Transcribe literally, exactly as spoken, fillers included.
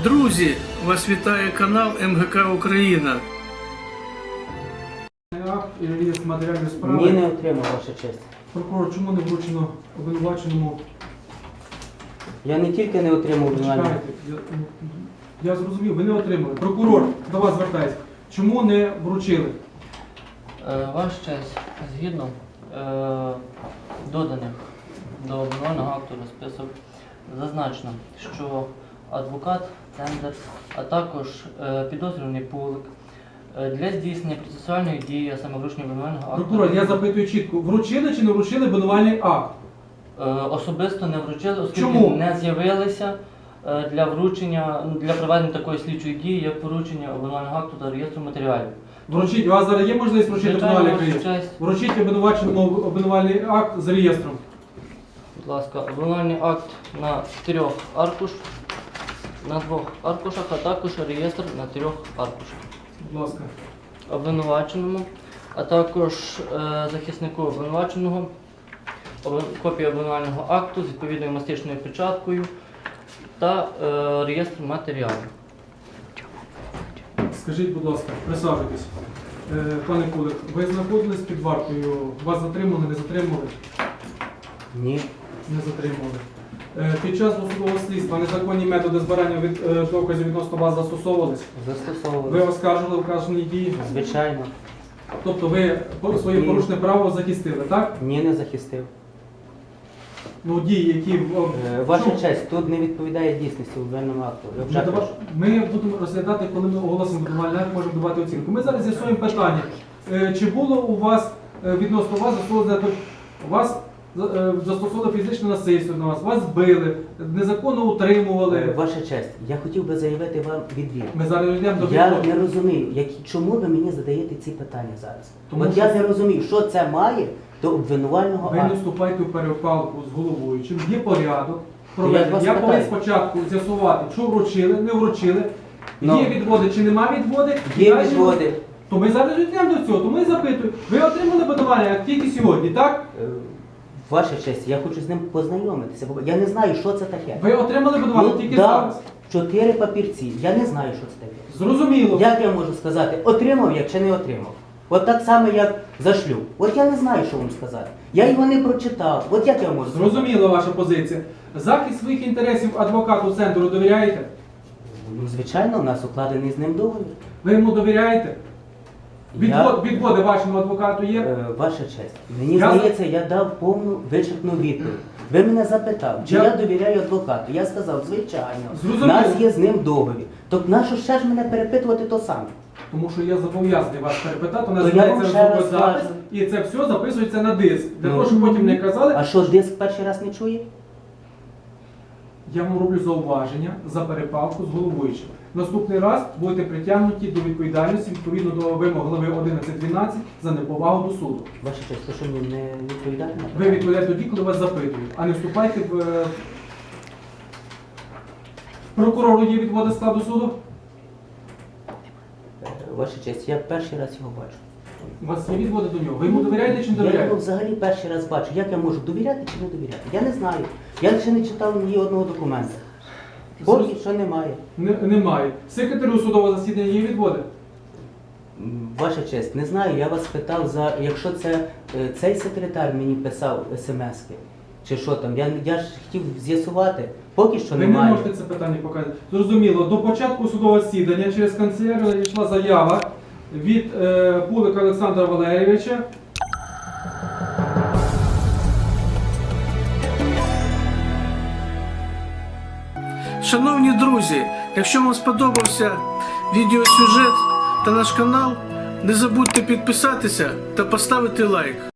Друзі, вас вітає канал Ем Ге Ка Україна. Акт і реєстр матеріальної справи. Ні, не отримав, ваша честь. Прокурор, чому не вручено обвинуваченому? Я не тільки не отримав обвинувальне. Чекайте, я, я зрозумів, ви не отримали. Прокурор, до вас звертаюся. Чому не вручили? Е, Ваша честь, згідно е, доданих до обвинувального акту розписок, зазначено, що адвокат Цендер, а також е, підозрюваний Пулик е, для здійснення процесуальної дії, а саме вручення обвинувального акту, Прокурор, я запитую чітко, вручили чи не вручили обвинувальний акт? е, особисто не вручили, оскільки Чому? не з'явилися е, для вручення, ну, для проведення такої слідчої дії, як поручення обвинувального акту та реєстру матеріалів. Вручіть, у вас зараз є можливість вручити Звичайно, обвинувальний ваша акт? честь. Вручіть обвинуваченому обвинувальний акт з реєстром. Будь ласка, обвинувальний акт на трьох аркушах, на двох аркушах, а також реєстр на трьох аркушах. Будь ласка. Обвинуваченому, а також е, захиснику обвинуваченого, обвин- копія обвинувального акту з відповідною мастичною печаткою та е, реєстр матеріалів. Скажіть, будь ласка, присаджуйтесь. Е, Пане Кулик, ви знаходились під вартою? Вас затримали, не затримали? Ні. Не затримали. Е, Під час досудового слідства незаконні методи збирання від, е, доказів відносно вас застосовувались? Ви Застосовували. оскаржили вказані дії? Звичайно. Тобто ви по- своє Ні. порушне право захистили, так? Ні, не захистив. Ну, дії, які... в- Е, Ваша Чому? честь, тут не відповідає дійсності обвинувальному акту. Я Ми, вже дава- кажу. ми будемо розглядати, коли ми оголосимо обвинувальний акт, можемо давати оцінку. Ми зараз з'ясуємо питання. Е, Чи було у вас е, відносно вас застосовано вас е, застосовано фізичне насильство на вас, вас били, незаконно Е, утримували? Ваша честь, я хотів би заявити вам відвід. Ми зараз йдемо до Я відповіді. не розумію, які, чому ви мені задаєте ці питання зараз. Тому От що- я не розумію, що це має до обвинувального Ви не акту. вступайте в перепалку з головуючим, є порядок. Я проведення. вас Я повинен питаю. спочатку з'ясувати, що вручили, не вручили, Ну. є відводи чи нема відводи. Є Далі- відводи. То ми зараз йдемо до цього, то ми запитуємо. Ви отримали обвинувальний акт тільки сьогодні, так? Е, Ваша честь, я хочу з ним познайомитися. бо Я не знаю, що це таке. Ви отримали обвинувальний Ну, тільки да, зараз. чотири папірці. Я не знаю, що це таке. Зрозуміло. Як я можу сказати, отримав я чи не отримав? От так само, як за шлюб. От я не знаю, що вам сказати. Я його не прочитав. От як я можу сказати? Зрозуміла ваша позиція. Захист своїх інтересів адвокату центру довіряєте? Ну, звичайно, у нас укладений з ним договір. Ви йому довіряєте? Я- Відвод, Відводи вашому адвокату є? Е, Ваша честь, мені Я- здається, я дав повну вичерпну відповідь. Ви мене запитав, чи Я- я, довіряю адвокату. Я сказав, звичайно, Зрозуміло. у нас є з ним договір. Тобто нащо ще ж мене перепитувати то саме? Тому що я зобов'язаний вас перепитати, у нас То я знається вам ще раз звукозапис, скажу. і це все записується на диск. Для Ну. того, щоб потім не казали, А що, диск перший раз не чує? я вам роблю зауваження за перепалку з головуючим. Наступний раз будете притягнуті до відповідальності відповідно до вимог глави одинадцять дванадцять за неповагу до суду. Ваша честь, то що мені не відповідає на Ви питання? відповідаєте тоді, коли вас запитують, а не вступайте в... е, Прокурору є відводи складу суду? Е, Ваша честь, я перший раз його бачу. У вас є відводи до нього. Ви йому довіряєте чи не Я його довіряєте? взагалі перший раз бачу. Як я можу довіряти чи не довіряти? Я не знаю. Я ще не читав ні одного документа. Поки що немає. Не- Немає. Секретарю судового засідання є відводи? М, Ваша честь, не знаю, я вас питав за, якщо це е, цей секретар мені писав смски, чи що там, я, я ж хотів з'ясувати, поки що Ви не немає. можете це питання показати. Зрозуміло, до початку судового засідання через канцелярію йшла заява від е, Пулика Олександра Валерійовича. Шановні друзі, якщо вам сподобався відеосюжет та наш канал, не забудьте підписатися та поставити лайк.